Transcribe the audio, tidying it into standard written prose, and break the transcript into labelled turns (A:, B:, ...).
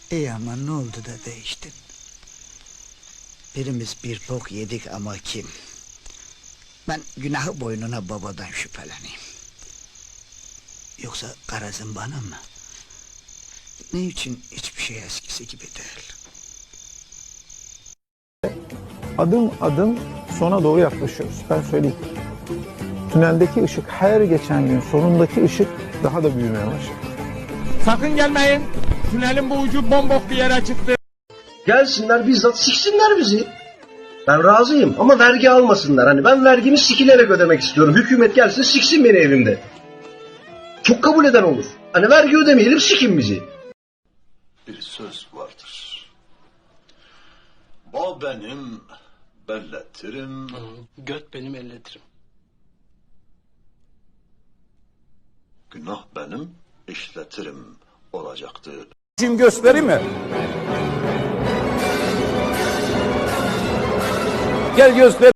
A: İyi ama ne oldu da değiştin? Birimiz bir bok yedik ama kim? Ben günahı boynuna babadan şüpheleneyim. Yoksa garazın bana mı? Ne için hiçbir şey eskisi gibi değil?
B: Adım adım sona doğru yaklaşıyoruz. Ben söyleyeyim. Tüneldeki ışık her geçen gün sonundaki ışık daha da büyümeye başladı.
C: Sakın gelmeyin. Tünelin bu ucu bombok bir yere çıktı.
D: Gelsinler bizzat siksinler bizi. Ben razıyım ama vergi almasınlar. Hani ben vergimi sikilerek ödemek istiyorum. Hükümet gelsin siksin beni evimde. Çok kabul eden olur. Hani vergi ödemeyelim sikin bizi.
E: Bir söz vardır. Bal benim, belletirim.
F: Göt benim elletirim.
E: Günah benim, işletirim olacaktır.
C: Şimdi göstereyim mi? Gel göster.